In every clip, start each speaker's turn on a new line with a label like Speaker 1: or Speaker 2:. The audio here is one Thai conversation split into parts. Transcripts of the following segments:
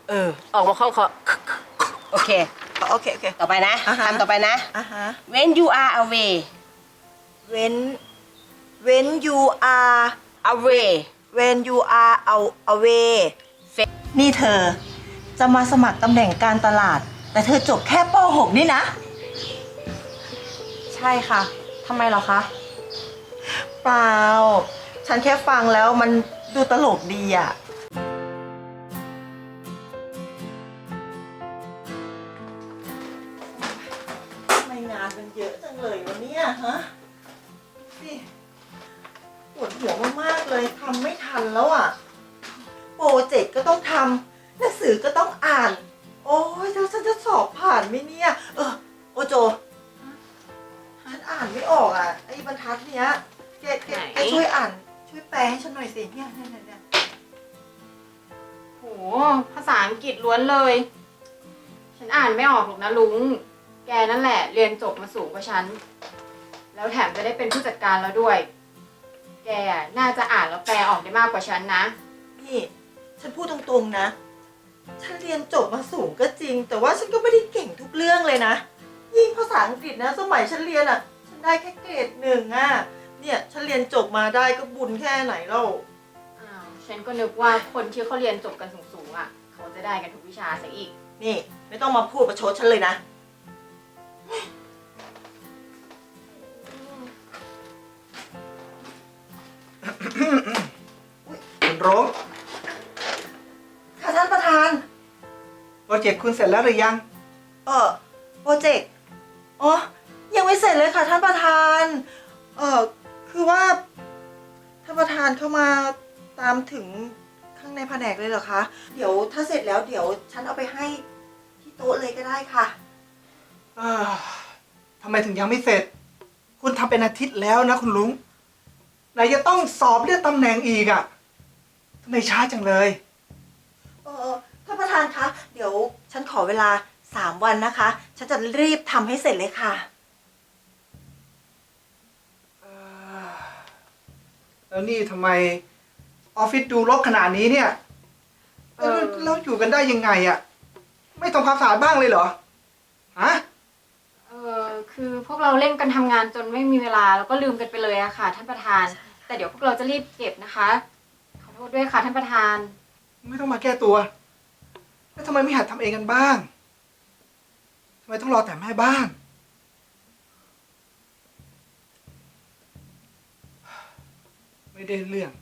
Speaker 1: ออกมาคล่องคอ
Speaker 2: โอเค
Speaker 3: โอเค
Speaker 2: ต่อไปนะคำต่อไปนะ when you are away
Speaker 3: when you are
Speaker 2: away
Speaker 3: when you are away นี่เธอจะมาสมัครตำแหน่งการตลาดแต่เธอจบแค่ป .6 นี่นะ
Speaker 4: ใช่ค่ะทำไมเหรอคะ
Speaker 3: เปล่าฉันแค่ฟังแล้วมันดูตลกดีอ่ะทำไมงานมันเยอะจังเลยวะเนี่ยฮะนี่ปวดหัวมากๆเลยทำไม่ทันแล้วอ่ะโปรเจกต์ก็ต้องทำหนังสือก็ต้องอ่านโอ้ยแล้วฉันจะสอบผ่านไหมเนี่ยโอโจฉันอ่านไม่ออกอ่ะไอ้บรรทัดเนี้ยแกช่วยอ่านช่วยแปลให้ฉันหน่อยสิเนี่ย
Speaker 4: โหภาษาอังกฤษล้วนเลยฉันอ่านไม่ออกหรอกนะลุงแกนั่นแหละเรียนจบมาสูงกว่าฉันแล้วแถมจะได้เป็นผู้จัดการแล้วด้วยแกน่าจะอ่านแล้วแปลออกได้มากกว่าฉันนะ
Speaker 3: นี่ฉันพูดตรงๆนะฉันเรียนจบมาสูงก็จริงแต่ว่าฉันก็ไม่ได้เก่งทุกเรื่องเลยนะยิ่งภาษาอังกฤษนะสมัยฉันเรียนอ่ะฉันได้แค่เกรด 1อ่ะเนี่ยฉันเรียนจบมาได้ก็บุญแค่ไหนเล่า
Speaker 4: ฉันก็นึกว่าคนที่เขาเรียนจบกันสูงๆอ่ะเขาจะได้กันทุกวิชาซะอีก
Speaker 3: นี่ไม่ต้องมาพูดประชดฉันเลยนะ
Speaker 5: คุณรุ้ง
Speaker 3: ค่ะท่านประธาน
Speaker 5: โปรเจกต์คุณเสร็จแล้วหรือยัง
Speaker 3: โปรเจกต์อ๋อยังไม่เสร็จเลยค่ะท่านประธานคือว่าท่านประธานเข้ามาตามถึงข้างในแผนกเลยเหรอคะเดี๋ยวถ้าเสร็จแล้วเดี๋ยวฉันเอาไปให้ที่โต๊ะเลยก็ได้ค่ะ
Speaker 5: ทำไมถึงยังไม่เสร็จคุณทำเป็นอาทิตย์แล้วนะคุณลุงไหนจะต้องสอบเลื่อนตำแหน่งอีกอ่ะทำไมช้าจังเลย
Speaker 3: ท่านประธานคะเดี๋ยวฉันขอเวลา3 วันนะคะฉันจะรีบทำให้เสร็จเลยค่ะ
Speaker 5: แล้วนี่ทำไมออฟฟิศดูรกขนาดนี้เนี่ยแล้วอยู่กันได้ยังไงอ่ะไม่ทำความสะอาดบ้างเลยเหรอฮะ
Speaker 4: คือพวกเราเร่งกันทำงานจนไม่มีเวลาแล้วก็ลืมกันไปเลยอะค่ะท่านประธานแต่เดี๋ยวพวกเราจะรีบเก็บนะคะขอโทษด้วยค่ะท่านประธาน
Speaker 5: ไม่ต้องมาแก้ตัวแล้วทำไมไม่หัดทำเองกันบ้างทำไมต้องรอแต่แม่บ้านไม่ได้เรื่อง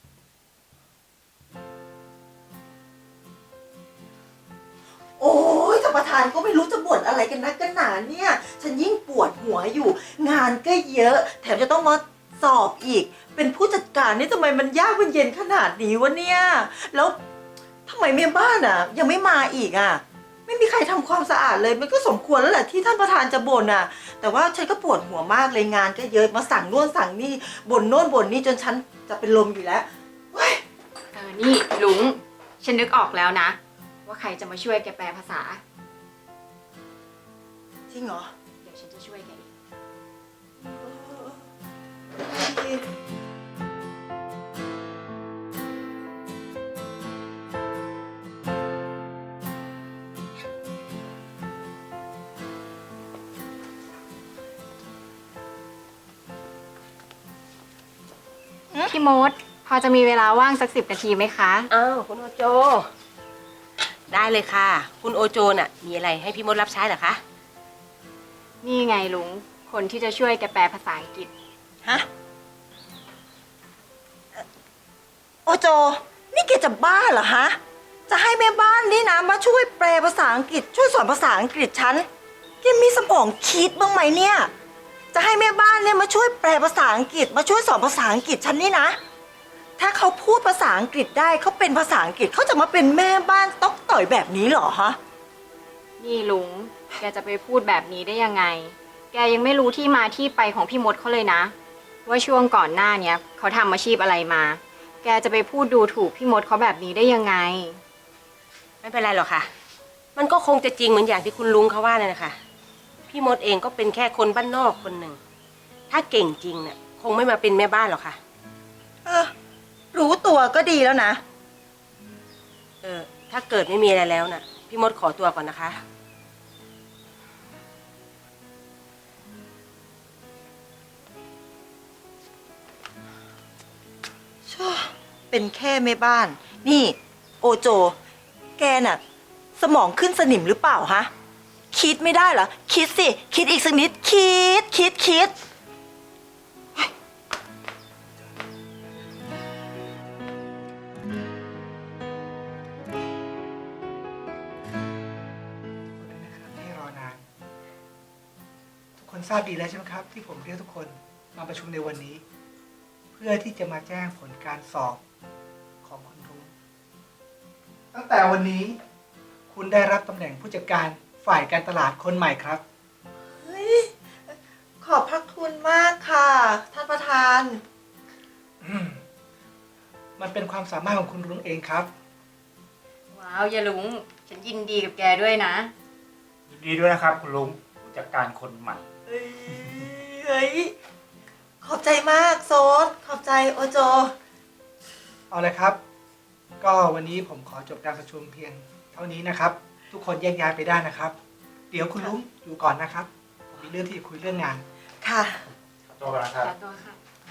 Speaker 3: โอ้ยท่านประธานก็ไม่รู้จะบ่นอะไรกันนักกันหนาเนี่ยฉันยิ่งปวดหัวอยู่งานก็เยอะแถมจะต้องมาสอบอีกเป็นผู้จัดการนี่ทำไมมันยากมันเย็นขนาดนี้วะเนี่ยแล้วทำไมแม่บ้านอ่ะยังไม่มาอีกอ่ะไม่มีใครทำความสะอาดเลยมันก็สมควรแล้วแหละที่ท่านประธานจะบ่นอ่ะแต่ว่าฉันก็ปวดหัวมากเลยงานก็เยอะมาสั่งโน่นสั่งนี่บ่นโน่นบ่นนี่จนฉันจะเป็นลมอยู่แล้ว
Speaker 4: นี่ลุงฉันนึกออกแล้วนะว่าใครจะมาช่วยแกแปลภาษา
Speaker 3: จริงเหรอ
Speaker 4: เดี๋ยวฉันจะช่วยแกเองพี่มดพอจะมีเวลาว่างสัก10 นาทีไหมคะ
Speaker 2: คุณโอโจได้เลยค่ะคุณโอโจน่ะมีอะไรให้พี่มดรับใช้เหรอคะ
Speaker 4: นี่ไงลุงคนที่จะช่วยแกแปลภาษาอังกฤษ
Speaker 3: ฮะโอโจนี่แกจะบ้าเหรอฮะจะให้แม่บ้านนี่นะมาช่วยแปลภาษาอังกฤษช่วยสอนภาษาอังกฤษฉันแกมีสมองคิดบ้างไหมเนี่ยจะให้แม่บ้านเนี่ยมาช่วยแปลภาษาอังกฤษมาช่วยสอนภาษาอังกฤษฉันนี่นะถ้าเขาพูดภาษาอังกฤษได้เขาเป็นภาษาอังกฤษเขาจะมาเป็นแม่บ้านต๊อกต่อยแบบนี้เหรอฮะ
Speaker 4: นี่ลุงแกจะไปพูดแบบนี้ได้ยังไงแกยังไม่รู้ที่มาที่ไปของพี่มดเขาเลยนะว่าช่วงก่อนหน้าเนี้ยเขาทำอาชีพอะไรมาแกจะไปพูดดูถูกพี่มดเขาแบบนี้ได้ยังไง
Speaker 2: ไม่เป็นไรหรอกค่ะมันก็คงจะจริงเหมือนอย่างที่คุณลุงเขาว่าเลยนะคะพี่มดเองก็เป็นแค่คนบ้านนอกคนหนึ่งถ้าเก่งจริงเนี่ยคงไม่มาเป็นแม่บ้านหรอกค่ะ
Speaker 3: รู้ตัวก็ดีแล้วนะ
Speaker 2: ถ้าเกิดไม่มีอะไรแล้วน่ะ พี่มดขอตัวก่อนนะคะ
Speaker 3: เป็นแค่แม่บ้าน นี่โอโจ แกน่ะ สมองขึ้นสนิมหรือเปล่าฮะ คิดไม่ได้เหรอ คิดสิ คิดอีกสักนิด คิด
Speaker 5: ที่รอนาน ทุกคนทราบดีแล้วใช่ไหมครับ ที่ผมเรียกทุกคนมาประชุมในวันนี้ เพื่อที่จะมาแจ้งผลการสอบของคุณรุ้งตั้งแต่วันนี้คุณได้รับตำแหน่งผู้จัดการฝ่ายการตลาดคนใหม่ครับ
Speaker 3: เฮ้ย ขอบพระคุณมากค่ะ ท่านประธาน
Speaker 5: มันเป็นความสามารถของคุณรุ้งเองครับ
Speaker 4: ว้าวอย่าลุง ฉันยินดีกับแกด้วยนะ
Speaker 1: ยินดีด้วยนะครับคุณลุงผู้จัดการคนใหม่
Speaker 3: เฮ้ย ขอบใจมากโซดขอบใจโอโจ
Speaker 5: เอาเลยครับ ก็วันนี้ผมขอจบการประชุมเพียงเท่านี้นะครับ ทุกคนแยกย้ายไปได้นะครับ เดี๋ยวคุณลุงอยู่ก่อนนะครับผมมีเรื่องที่จะคุยเรื่องงาน
Speaker 3: ค่ะ
Speaker 1: ขอตัวก่อนนะครับ
Speaker 4: ขอตัวค่ะ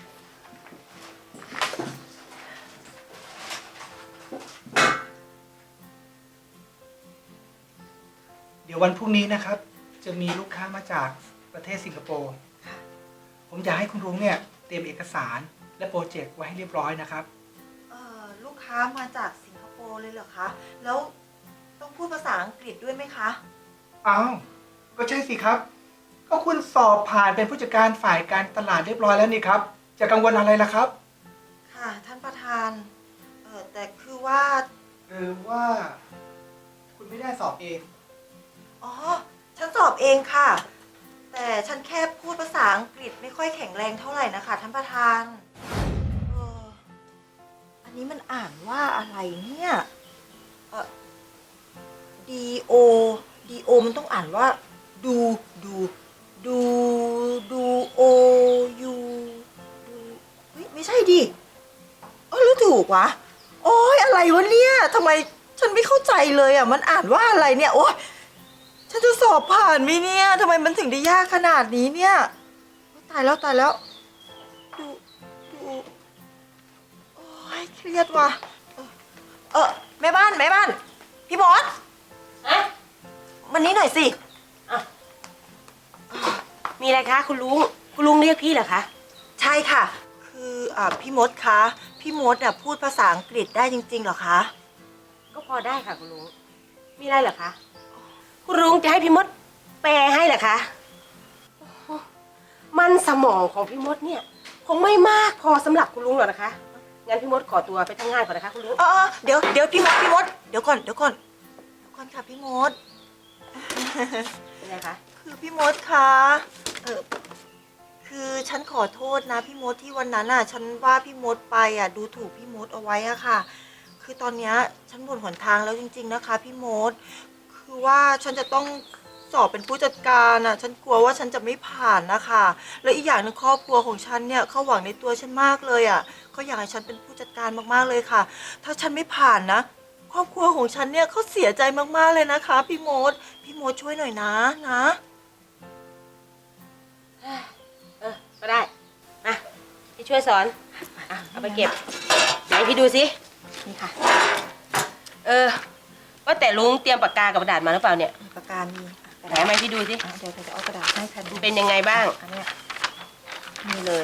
Speaker 5: เดี๋ยววันพรุ่งนี้นะครับ จะมีลูกค้ามาจากประเทศสิงคโปร์ผมอยากให้คุณรุ้งเนี่ยเตรียมเอกสารและโปรเจกต์ไว้ให้เรียบร้อยนะครับ
Speaker 3: ลูกค้ามาจากสิงคโปร์เลยเหรอคะ แล้วต้องพูดภาษาอังกฤษด้วยไหมคะ
Speaker 5: อ้าวก็ใช่สิครับ ก็คุณสอบผ่านเป็นผู้จัดการฝ่ายการตลาดเรียบร้อยแล้วนี่ครับ จะกังวลอะไรล่ะครับ
Speaker 3: ค่ะ ท่านประธาน แต่คือว่า
Speaker 5: หรือว่าคุณไม่ได้สอบเอง
Speaker 3: อ๋อ ฉันสอบเองค่ะ แต่ฉันแค่พูดภาษาอังกฤษไม่ค่อยแข็งแรงเท่าไหร่นะคะ ท่านประธานอันนี้มันอ่านว่าอะไรเนี่ย D O D O มันต้องอ่านว่า ดู O U ดูเฮ้ยไม่ใช่ดิหรือถูกวะ โอ้ยอะไรวะเนี่ยทำไมฉันไม่เข้าใจเลยอ่ะ มันอ่านว่าอะไรเนี่ย โอ้ยฉันจะสอบผ่านไหมเนี่ยทำไมมันถึงได้ยากขนาดนี้เนี่ยตายแล้ว ดูโอ้ยเครียดว่ะแม่บ้าน พี่มด
Speaker 2: ฮะ
Speaker 3: มันนี้หน่อยสิ
Speaker 2: มีอะไรคะคุณลุง คุณลุงเรียกพี่เหรอคะ
Speaker 3: ใช่ค่ะ คือพี่มดคะ พี่มดน่ะพูดภาษาอังกฤษได้จริงๆเหรอคะ
Speaker 2: ก็พอได้ค่ะคุณลุง มีอะไรเหรอคะ คุณลุงจะให้พี่มดแปลให้เหรอคะโอ้โหมันสมองของพี่มดเนี่ย คงไม่มากพอสำหรับคุณลุงหรอกนะคะ งั้นพี่มดขอตัวไปทำงานก่อนนะคะคุณลุง
Speaker 3: เดี๋ยวพี่มด เดี๋ยวก่อนค่ะพี่มด
Speaker 2: เป็นไงคะ
Speaker 3: คือพี่มดคะคือฉันขอโทษนะพี่มดที่วันนั้นฉันว่าพี่มดไปดูถูกพี่มดเอาไว้ค่ะ คือตอนเนี้ยฉันหมดหนทางแล้วจริงๆนะคะพี่มด คือว่าฉันจะต้องสอบเป็นผู้จัดการฉันกลัวว่าฉันจะไม่ผ่านนะคะและอีกอย่างหนึงครอบครัวของฉันเนี่ยเขาหวังในตัวฉันมากเลยเขาอยากให้ฉันเป็นผู้จัดการมากๆเลยค่ะ ถ้าฉันไม่ผ่านนะ ครอบครัวของฉันเนี่ยเขาเสียใจมากๆเลยนะคะพี่มดช่วยหน่อยนะ
Speaker 2: ก็ได้ มาพี่ช่วยสอนเอาไปเก็บไหนพี่ดูสิ
Speaker 3: นี่ค่ะ
Speaker 2: ว่าแต่ลุงเตรียมปากกากับกระดาษมาหรือเปล่าเนี่ย
Speaker 3: ประกามี
Speaker 2: ไหนมาให้พี่ดูสิ
Speaker 3: เดี๋ยวจะเอากระดาษให้ค่ะ
Speaker 2: มันเป็นยังไงบ้าง
Speaker 3: อันเนี้ยนี่เลย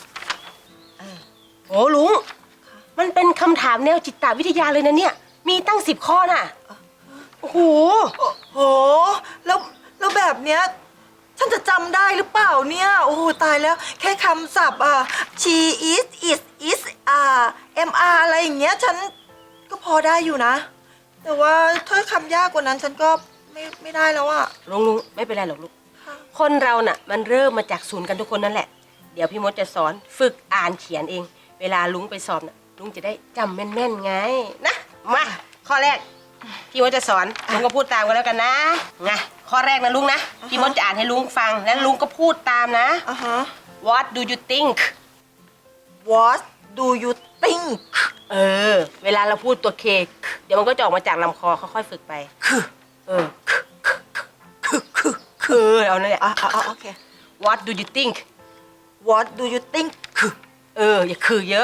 Speaker 2: โอ้ลุง มันเป็นคำถามแนวจิตวิทยาเลยนะเนี่ย มีตั้ง10 ข้อน่ะ โอ้โห
Speaker 3: โหแล้วแบบเนี้ยฉันจะจำได้หรือเปล่าเนี่ยโอ้โหตายแล้วแค่คำศัพท์she is mr อะไรอย่างเงี้ยฉันก็พอได้อยู่นะ แต่ว่าถ้าคำยากกว่านั้นฉันก็ไม่ได้แล้ว
Speaker 2: ลุงไม่เป็นไรหรอกลูก
Speaker 3: ค่ะ
Speaker 2: คนเราน่ะ มันเริ่มมาจากศูนย์กันทุกคนนั่นแหละ เดี๋ยวพี่มดจะสอนฝึกอ่านเขียนเอง เวลาลุงไปสอบน่ะลุงจะได้จำแม่นๆไงนะมาข้อแรกพี่มดจะสอนลุงก็พูดตามกันแล้วกันนะไงข้อแรกนะลุงนะพี่มดจะอ่านให้ลุงฟังแล้วลุงก็พูดตามนะ
Speaker 3: ฮะ
Speaker 2: What do you think
Speaker 3: What do you think
Speaker 2: เออ เวลาเราพูดตัวเคเดี๋ยวมันก็จะออกมาจากลำคอค่อยๆฝึกไปเออเอานั่นแหละ
Speaker 3: โอเค
Speaker 2: What do you think
Speaker 3: What do you think
Speaker 2: อย่าคือเยอะ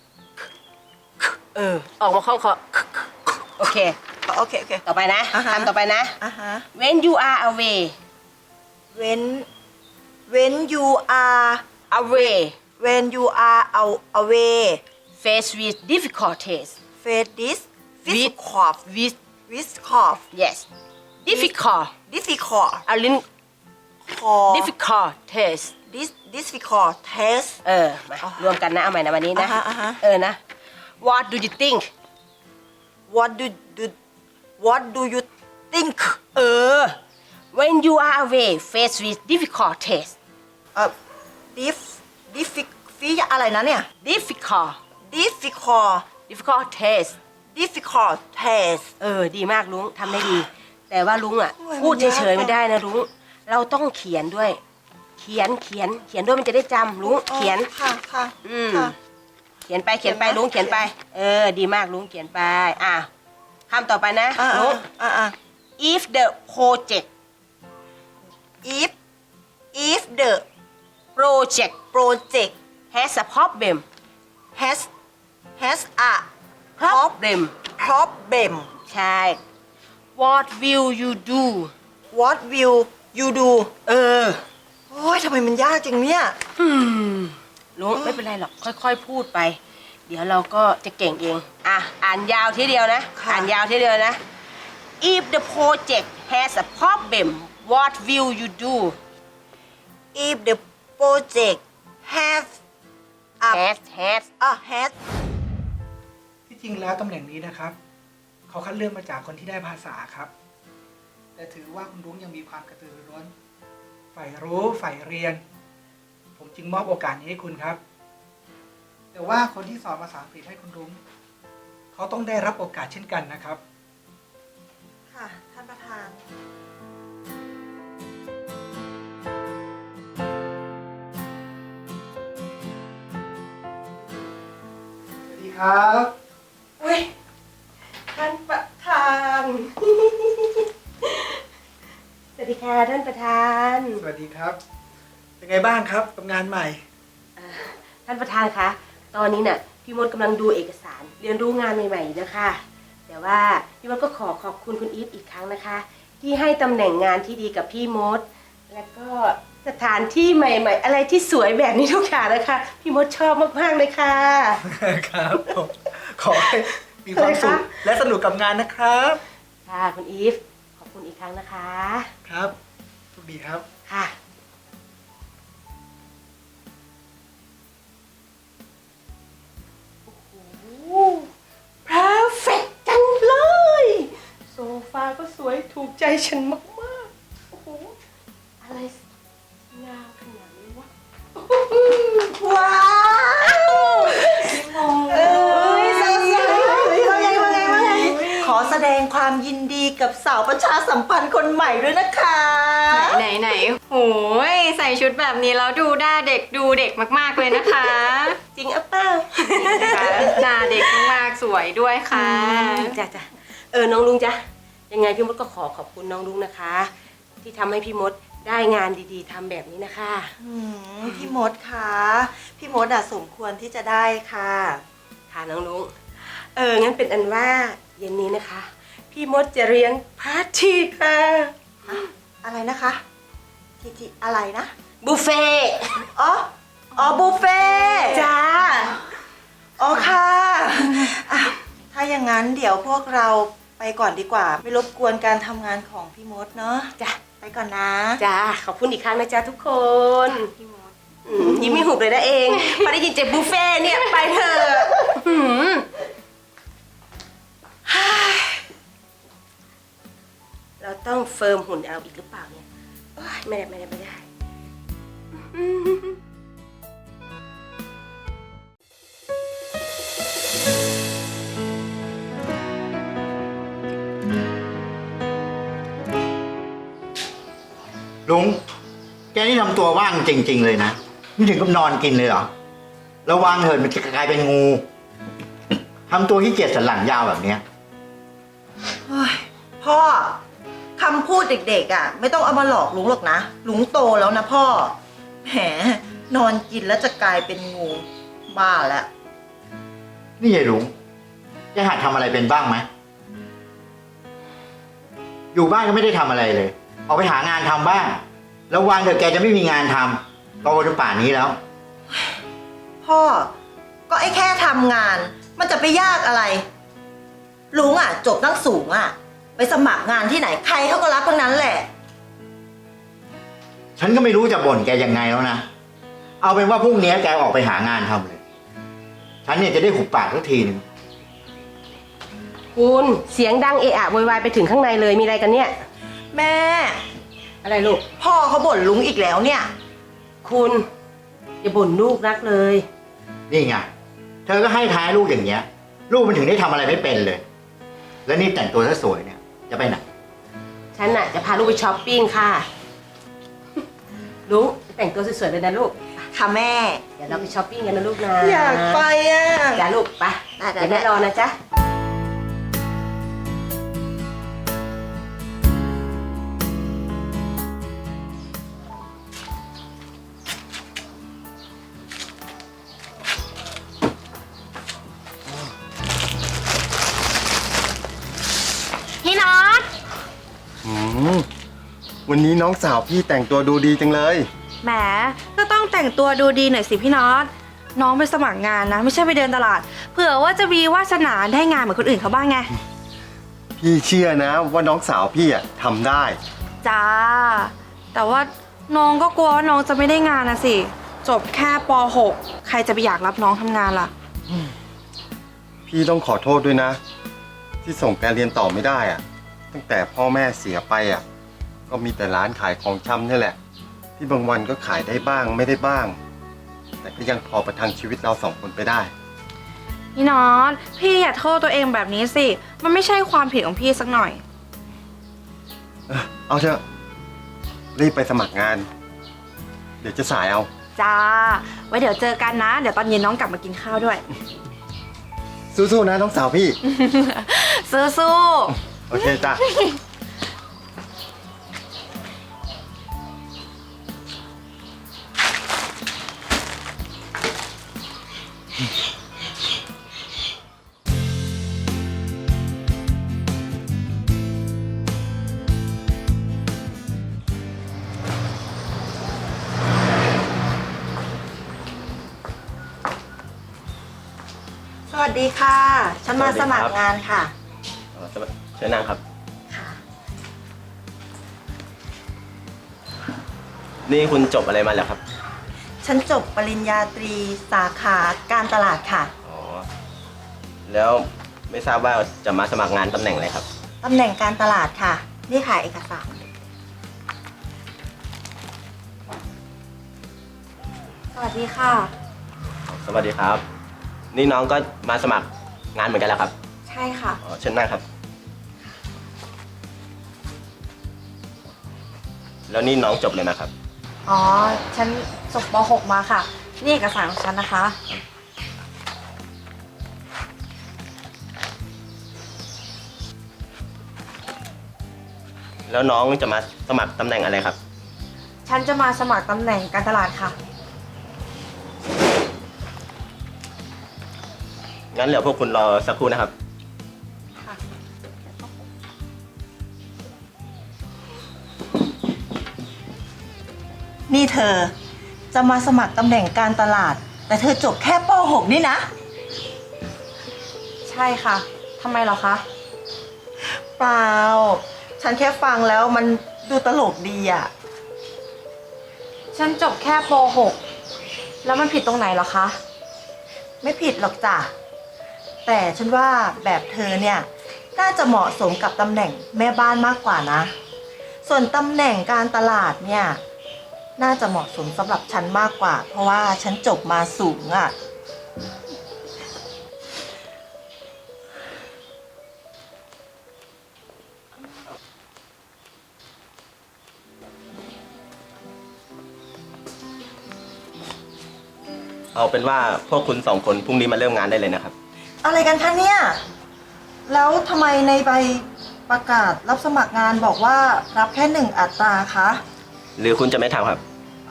Speaker 2: ออกมาคล่องคอโอเค
Speaker 3: โอเค
Speaker 2: ต่อไปนะ
Speaker 3: อ่าฮะ
Speaker 2: คำต่อไปนะ When you are away
Speaker 3: when you are
Speaker 2: away
Speaker 3: away
Speaker 2: face with difficulties
Speaker 3: face this
Speaker 2: with
Speaker 3: cough
Speaker 2: with
Speaker 3: cough
Speaker 2: yes difficult
Speaker 3: difficult
Speaker 2: เอาลิ้น
Speaker 3: cough
Speaker 2: difficult test
Speaker 3: difficult test
Speaker 2: มารวมกันนะ เอาใหม่นะวันนี้นะ
Speaker 3: อ่าฮะ
Speaker 2: นะ What do you think
Speaker 3: what do you think
Speaker 2: when you are away face with difficult test
Speaker 3: difficult อะไรนะเนี่ย
Speaker 2: difficult
Speaker 3: difficult
Speaker 2: test
Speaker 3: test
Speaker 2: ดีมากลุงทำได้ดี แต่ว่าลุงอ่ะ
Speaker 3: โอ้ย
Speaker 2: พูด
Speaker 3: มันยาก
Speaker 2: เฉยๆไม่ได้นะลุงเราต้องเขียนด้วย เขียนด้วยมันจะได้จำลุงเขียน
Speaker 3: ค่ะ
Speaker 2: ค่ะ เขียนไปลุง
Speaker 3: เขียนนะ
Speaker 2: เขียนไป ดีมากลุงเขียนไปคำต่อไปนะลุง if the project
Speaker 3: if the
Speaker 2: project has a problem
Speaker 3: has a
Speaker 2: problem ใช่ what will you do
Speaker 3: what will you do โอ้ยทำไมมันยากจังเนี่ย
Speaker 2: ลุงไม่เป็นไรหรอกค่อยๆพูดไป เดี๋ยวเราก็จะเก่งเองอ่านยาวทีเดียวนะ
Speaker 3: ค่ะ
Speaker 2: อ่านยาวทีเดียวนะ if the project has a problem what will you do
Speaker 3: if the project has
Speaker 2: has
Speaker 5: ที่จริงแล้วตำแหน่งนี้นะครับ เขาคัดเลือกมาจากคนที่ได้ภาษาครับ แต่ถือว่าคุณรุ้งยังมีความกระตือรือร้นใฝ่รู้ใฝ่เรียน ผมจึงมอบโอกาสนี้ให้คุณครับ แต่ว่าคนที่สอนภาษาอังกฤษให้คุณรุ้งเขาต้องได้รับโอกาสเช่นกันนะครับ
Speaker 3: ค่ะท่านประธาน
Speaker 5: สวัสดีครับ
Speaker 2: อุ้ยท่านประธาน สวัสดีค่ะท่านประธาน
Speaker 5: สวัสดีครับ เป็นไงบ้างครับกับงานใหม่
Speaker 2: ท่านประธานคะ ตอนนี้น่ะพี่มดกำลังดูเอกสารเรียนรู้งานใหม่ๆอยู่นะคะ แต่ว่าพี่มดก็ขอขอบคุณคุณอีฟอีกครั้งนะคะ ที่ให้ตำแหน่งงานที่ดีกับพี่มด และก็สถานที่ใหม่ๆ อะไรที่สวยแบบนี้ทุกอย่างนะคะ พี่มดชอบมากๆเลยค่ะ
Speaker 5: ครับผมขอให้มีความสุข
Speaker 2: อะไรคะ
Speaker 5: และสนุกกับงานนะครับ
Speaker 2: ค่ะคุณอีฟขอบคุณอีกครั้งนะคะ
Speaker 5: ครับสวัสดีครับ
Speaker 2: ค่ะ โอ้โห perfect จังเลย โซฟาก็สวยถูกใจฉันมากๆ โอ้โห อะไรงามขนาดนี้วะ
Speaker 3: ว้าวเอ้ยสาวๆว่าไงขอแสดงความยินดีกับสาวประชาสัมพันธ์คนใหม่ด้วยนะคะ
Speaker 4: ไหนโอ้ยใส่ชุดแบบนี้แล้วดูหน้าเด็กดูเด็กมากๆเลยนะคะ
Speaker 2: จริงอ่ะเปล่า
Speaker 4: หน้าเด็กมากๆสวยด้วยค่ะ
Speaker 2: จ้ะน้องลุงจ้ะยังไงพี่มดก็ขอบคุณน้องลุงนะคะ ที่ทำให้พี่มดได้งานดีๆทำแบบนี้นะคะ
Speaker 3: พี่มดคะพี่มดสมควรที่จะได้ค่ะ
Speaker 2: ค่ะน้องลุงงั้นเป็นอันว่าเย็นนี้นะคะ พี่มดจะเลี้ยงปาร์ตี้ค่ะ
Speaker 3: อะไรนะคะทีอะไรนะ
Speaker 2: บุฟเฟ่ต์
Speaker 3: อ๋อบุฟเฟ่
Speaker 2: จ้า
Speaker 3: อ๋อค่ะอ่ะ ถ้าอย่างนั้นเดี๋ยวพวกเราไปก่อนดีกว่า ไม่รบกวนการทำงานของพี่มดเนาะ
Speaker 2: จ้ะ
Speaker 3: ไปก่อนนะ
Speaker 2: จ้าขอบคุณอีกครั้งนะจ๊ะทุกคนยิ้มไม่หุบเลยนะเองพอได้ยินเจ็บบุฟเฟ่ต์เนี่ยไปเถอะเราต้องเฟิร์มหุ่นเอาอีกหรือเปล่าเนี่ยโอ๊ยไม่ได้
Speaker 6: ลุง แกนี่ทำตัวว่างจริง ๆ เลยนะไม่ถึงกับนอนกินเลยเหรอ ระวังเถิดมันจะกลายเป็นงูทำตัวขี้เกียจสันหลังยาวแบบเนี้ย
Speaker 3: เฮ้ยพ่อคำพูดเด็กๆอ่ะ ไม่ต้องเอามาหลอกลุงหรอกนะลุงโตแล้วนะพ่อแหมนอนกินแล้วจะกลายเป็นงูบ้าแล้ว
Speaker 6: นี่ยายลุงแกหัดทำอะไรเป็นบ้างไหม อยู่บ้านก็ไม่ได้ทำอะไรเลย ออกไปหางานทำบ้าง แล้ววันเดี๋ยวแกจะไม่มีงานทำโตจนป่านนี้แล้ว
Speaker 3: พ่อก็ไอ้แค่ทำงาน มันจะไปยากอะไร ลุงอ่ะ จบตั้งสูงอ่ะ ไปสมัครงานที่ไหนใครเขาก็รับทั้งนั้นแหละ
Speaker 6: ฉันก็ไม่รู้จะบ่นแกยังไงแล้วนะ เอาเป็นว่าพรุ่งนี้แกออกไปหางานทำเลย ฉันเนี่ยจะได้หุบปากสักทีหนึ่ง
Speaker 2: คุณเสียงดังเอะอะโวยวายไปถึงข้างในเลยมีอะไรกันเนี่ย
Speaker 3: แม่
Speaker 2: อะไรลูก
Speaker 3: พ่อเขาบ่นลุงอีกแล้วเนี่ย
Speaker 2: คุณอย่าบ่นลูกรักเลย
Speaker 6: นี่ไง เธอก็ให้ท้ายลูกอย่างเงี้ย ลูกมันถึงได้ทำอะไรไม่เป็นเลย แล้วนี่แต่งตัวซะสวยเนี่ย จะไปไหน
Speaker 2: ฉันน่ะจะพาลูกไปช้อปปิ้งค่ะ ลุงแต่งตัวสวยๆเลยนะลูก
Speaker 3: ค่ะแม่
Speaker 2: เดี๋ยวเราไปช้อปปิ้งกันนะลูกนะ
Speaker 3: อยากไปอ่ะ
Speaker 2: จ้าลูกไป
Speaker 3: ได้
Speaker 2: เดี๋ยวแม่รอนะจ๊ะ
Speaker 4: พี่น็อต
Speaker 7: อืมวันนี้น้องสาวพี่แต่งตัวดูดีจังเลย
Speaker 8: แหมก็ต้องแต่งตัวดูดีหน่อยสิพี่น็อต น้องไปสมัครงานนะ ไม่ใช่ไปเดินตลาด เผื่อว่าจะมีวาสนาได้งานเหมือนคนอื่นเขาบ้างไง
Speaker 7: พี่เชื่อนะว่าน้องสาวพี่อะทำได้
Speaker 8: จ้า แต่ว่าน้องก็กลัวว่าน้องจะไม่ได้งานนะสิ จบแค่ป .6 ใครจะไปอยากรับน้องทำงานล่ะ
Speaker 7: พี่ต้องขอโทษด้วยนะ ที่ส่งแกเรียนต่อไม่ได้อะตั้งแต่พ่อแม่เสียไปอะก็มีแต่ร้านขายของชำนี่แหละ ที่บางวันก็ขายได้บ้างไม่ได้บ้าง แต่ก็ยังพอประทังชีวิตเราสองคนไปได้
Speaker 8: พี่น็อต พี่อย่าโทษตัวเองแบบนี้สิ มันไม่ใช่ความผิดของพี่สักหน่อย
Speaker 7: เอาเถอะรีบไปสมัครงาน เดี๋ยวจะสายเอา
Speaker 8: จ้า ไว้เดี๋ยวเจอกันนะ เดี๋ยวตอนเย็นน้องกลับมากินข้าวด้วย
Speaker 7: สู้ๆนะน้องสาวพี่
Speaker 8: สู้
Speaker 7: โอเคจ้ะ
Speaker 3: สวัสดีค่ะ ฉันมาสมัครงานค่ะ
Speaker 9: เชิญนั่งครับ
Speaker 3: ค่ะ
Speaker 9: นี่คุณจบอะไรมาแล้วครับ
Speaker 3: ฉันจบปริญญาตรีสาขาการตลาดค่ะ
Speaker 9: อ๋อ แล้วไม่ทราบว่าจะมาสมัครงานตำแหน่งอะไรครับ
Speaker 3: ตำแหน่งการตลาดค่ะ นี่ค่ะเอกสาร
Speaker 8: ๆ สวัสดีค่ะ
Speaker 9: สวัสดีครับ นี่น้องก็มาสมัครงานเหมือนกันแล้วครับ
Speaker 8: ใช่ค่ะ
Speaker 9: อ๋อ เชิญนั่งครับ แล้วนี่น้องจบเลยนะครับ
Speaker 8: อ๋อ ฉันจบป .6 มาค่ะ นี่เอกสารของฉันนะคะ
Speaker 9: แล้วน้องจะมาสมัครตำแหน่งอะไรครับ
Speaker 8: ฉันจะมาสมัครตำแหน่งการตลาดค่ะ
Speaker 9: งั้นเหลือพวกคุณรอสักครู่นะครับ
Speaker 3: นี่เธอ จะมาสมัครตำแหน่งการตลาด แต่เธอจบแค่ป .6 นี่นะ
Speaker 8: ใช่ค่ะ ทำไมเหรอคะ
Speaker 3: เปล่า ฉันแค่ฟังแล้วมันดูตลกดีอ่ะ
Speaker 8: ฉันจบแค่ป .6 แล้วมันผิดตรงไหนเหรอคะ
Speaker 3: ไม่ผิดหรอกจ้ะ แต่ฉันว่าแบบเธอเนี่ย น่าจะเหมาะสมกับตำแหน่งแม่บ้านมากกว่านะ ส่วนตำแหน่งการตลาดเนี่ย น่าจะเหมาะสมสำหรับฉันมากกว่า เพราะว่าฉันจบมาสูงอ่ะ
Speaker 9: เอาเป็นว่าพวกคุณสองคนพรุ่งนี้มาเริ่มงานได้เลยนะครับ
Speaker 3: อะไรกันคะเนี่ย แล้วทำไมในใบประกาศรับสมัครงานบอกว่ารับแค่1 อัตราคะ
Speaker 9: หรือคุณจะไม่ทำครับ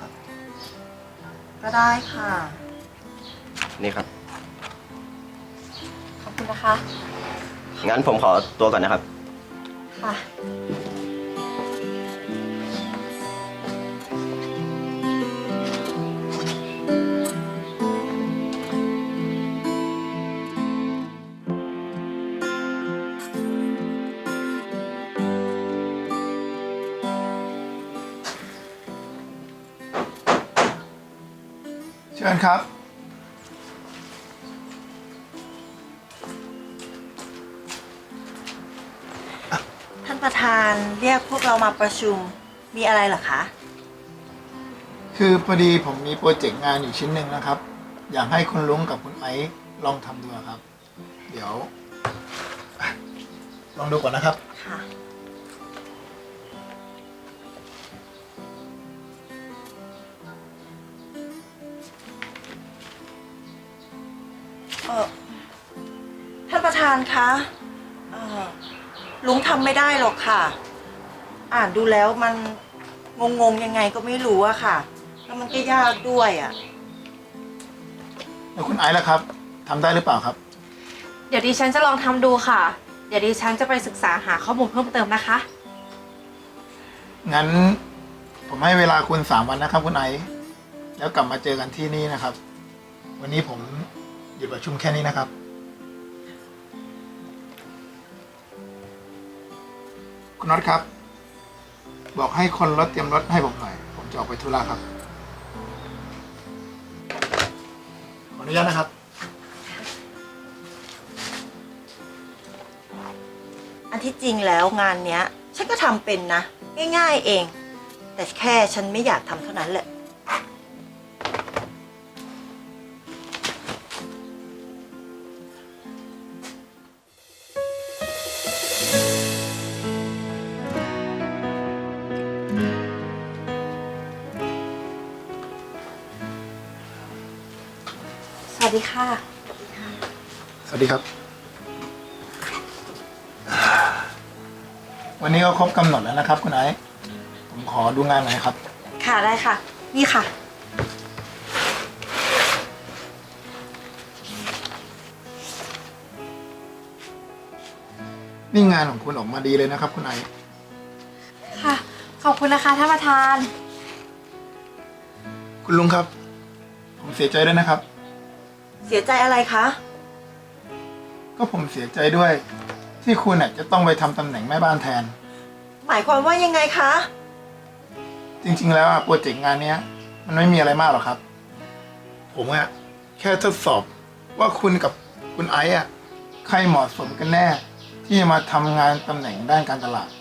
Speaker 3: ก็ได้ค่ะ
Speaker 9: นี่ครับ
Speaker 8: ขอบคุณนะคะ
Speaker 9: งั้นผมขอตัวก่อนนะครับ
Speaker 8: ค่ะ
Speaker 10: เชิญครับ
Speaker 3: ท่านประธานเรียกพวกเรามาประชุม มีอะไรเหรอคะ
Speaker 10: คือพอดีผมมีโปรเจกต์งานอยู่ชิ้นหนึ่งนะครับ อยากให้คุณลุงกับคุณไอซ์ลองทำดูครับ เดี๋ยวอ่ะลองดูก่อนนะครับ
Speaker 3: ค่ะ ท่านประธานคะลุงทำไม่ได้หรอกค่ะ อ่านดูแล้วมันงงๆยังไงก็ไม่รู้อะค่ะ แล้วมันก็ยากด้วยอะ
Speaker 10: แล้วคุณไอซ์ล่ะครับทำได้หรือเปล่าครับ
Speaker 8: เดี๋ยวดิฉันจะลองทำดูค่ะ เดี๋ยวดิฉันจะไปศึกษาหาข้อมูลเพิ่มเติมนะคะ
Speaker 10: งั้นผมให้เวลาคุณ3 วันนะครับ คุณไอซ์แล้วกลับมาเจอกันที่นี่นะครับ วันนี้ผมหยุดประชุมแค่นี้นะครับ คุณน็อตครับ บอกให้คนรถเตรียมรถให้ผมหน่อย ผมจะออกไปธุระครับ ขออนุญาตนะครับ
Speaker 3: อันที่จริงแล้วงานเนี้ย ฉันก็ทำเป็นนะ ง่ายๆเอง แต่แค่ฉันไม่อยากทำเท่านั้นแหละ
Speaker 8: สวัสดีค่ะ
Speaker 10: สวัสดีครับ วันนี้ก็ครบกำหนดแล้วนะครับ คุณไอซ์ผมขอดูงานหน่อยครับ
Speaker 8: ค่ะได้ค่ะ นี่ค่ะ
Speaker 10: นี่งานของคุณออกมาดีเลยนะครับ คุณไอซ์
Speaker 8: ค่ะ ขอบคุณนะคะท่านประธาน
Speaker 10: คุณลุงครับ ผมเสียใจด้วยนะครับ
Speaker 3: เสียใจอะไรคะ
Speaker 10: ก็ผมเสียใจด้วย ที่คุณน่ะจะต้องไปทำตำแหน่งแม่บ้านแทน
Speaker 3: หมายความว่ายังไงคะ
Speaker 10: จริงๆแล้วอะโปรเจกต์งานเนี้ย มันไม่มีอะไรมากหรอกครับ ผมอะแค่ทดสอบว่าคุณกับคุณไอซ์อะใครเหมาะสมกันแน่ ที่จะมาทำงานตำแหน่งด้านการตลาด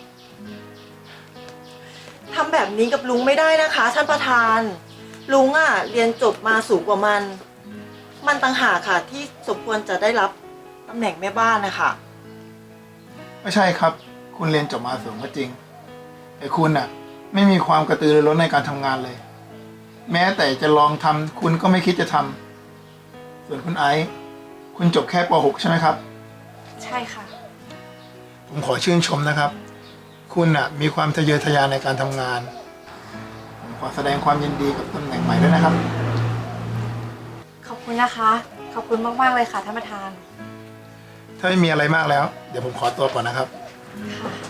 Speaker 3: ทำแบบนี้กับลุงไม่ได้นะคะท่านประธาน ลุงอะเรียนจบมาสูงกว่ามัน มันต่างหากค่ะที่สมควรจะได้รับตำแหน่งแม่บ้านนะคะ
Speaker 10: ไม่ใช่ครับ คุณเรียนจบมาสูงก็จริง แต่คุณน่ะ ไม่มีความกระตือรือร้นในการทำงานเลย แม้แต่จะลองทำคุณก็ไม่คิดจะทำส่วนคุณไอซ์คุณจบแค่ป .6 ใช่ไหมครับ
Speaker 8: ใช่ค่ะ
Speaker 10: ผมขอชื่นชมนะครับ คุณน่ะ มีความทะเยอทะยานในการทำงาน ผมขอแสดงความยินดีกับตำแหน่งใหม่ด้วยนะครับ
Speaker 8: ขอบคุณนะคะ ขอบคุณมากๆเลยค่ะท่านประธาน
Speaker 10: ถ้าไม่มีอะไรมากแล้ว เดี๋ยวผมขอตัวก่อนนะครับ
Speaker 8: ค่ะ